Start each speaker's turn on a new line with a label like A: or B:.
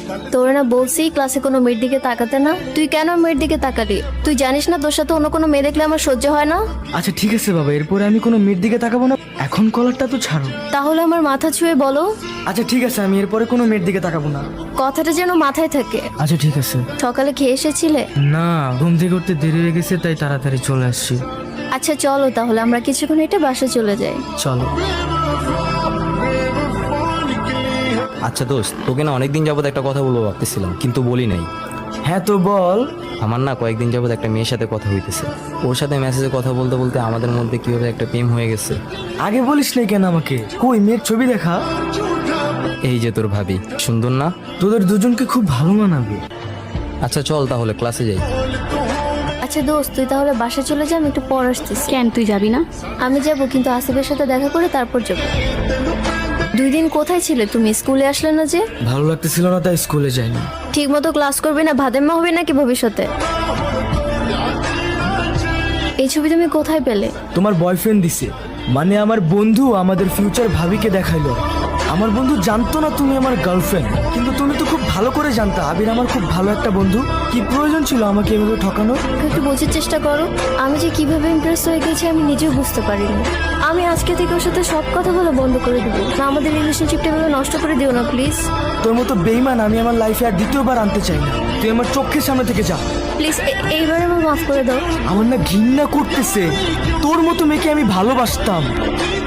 A: তোর না বলছি ক্লাসে কোনো মেয়ের দিকে তাকাতে না, তুই কেন মেয়ের দিকে তাকালি? তুই জানিস না তোর সাথে অন্য কোনো মেয়ে দেখলে আমার সহ্য হয় না।
B: আচ্ছা ঠিক আছে বাবা, এরপরে আমি কোনো মেয়ের দিকে তাকাবো না। এখন কলারটা তো ছাড়ো।
A: তাহলে আমার মাথা ছুঁয়ে বলো।
B: আচ্ছা ঠিক আছে, আমি এরপরে কোনো মেয়ের দিকে তাকাবো না।
A: কথাটা যেন মাথায় থাকে।
B: আচ্ছা ঠিক আছে।
A: সকালে খেয়ে এসেছিলে?
B: না, ঘুম থেকে উঠতে দেরি হয়ে গেছে, তাই তাড়াতাড়ি চলে আসছি।
A: আচ্ছা চলো তাহলে আমরা কিছুক্ষণ এটা বাসা চলে যাই।
B: চলো।
C: আচ্ছা দোস্ত, তোকে না অনেকদিন যাবত একটা কথা বলবো ভাবতেছিলাম, কিন্তু বলি নাই।
B: হ্যাঁ তো বল।
C: আমার না কয়েকদিন যাবত একটা মেয়ের সাথে কথা হইতেছে। ওর সাথে মেসেজে কথা বলতে বলতে আমাদের মধ্যে কিভাবে একটা প্রেম হয়ে গেছে।
B: আগে বলিস নাই কেন আমাকে? কই মেয়ের ছবি দেখা?
C: এই যে তোর ভাবি, সুন্দর না?
B: তোদের দুজনকে খুব ভালো মানাবে।
C: আচ্ছা চল তাহলে ক্লাসে যাই।
A: আচ্ছা দোস্ত তুই তাহলে বাসা চলে যা, আমি একটু পর আসতেছি।
D: কেন তুই যাবি না?
A: আমি যাব, কিন্তু আসিফের সাথে দেখা করে তারপর যাব। 2 দিন কোথায় ছিলে তুমি? স্কুলে আসলে না যে?
B: ভালো লাগতেছিল না তাই স্কুলে যাইনি।
A: ঠিক মতো ক্লাস করবে না, ভাদেম্মা হবে নাকি ভবিষ্যতে? এই ছবি তুমি কোথায় পেলে?
B: তোমার বয়ফ্রেন্ড দিছে, মানে আমার বন্ধু আমাদের ফিউচার ভাবিকে দেখাইলো। আমার বন্ধু জানতো না তুমি আমার গার্লফ্রেন্ড, কিন্তু তুমি তো খুব ভালো করে জানতা আবির আমার খুব ভালো একটা বন্ধু। কি প্রয়োজন ছিল আমাকে এভাবে ঠকানোর?
A: একটু বোঝার চেষ্টা করো। আমি যে কিভাবে ইমপ্রেস হয়ে গেছি আমি নিজেও বুঝতে পারিনি। আমি আজকে থেকে ওর সাথে সব কথা বলা বন্ধ করে দেবো না। আমাদের রিলেশনশিপটা এভাবে নষ্ট করে দিও না প্লিজ।
B: তোর মতো বেইমান আমি আমার লাইফে আর দ্বিতীয়বার আনতে চাই না। তুই আমার চোখের সামনে থেকে যা
A: প্লিজ, এইবার আমার মাফ করে দাও।
B: আমার না ঘৃণা করতেছে। তোর মতো মেয়েকে আমি ভালোবাসতাম।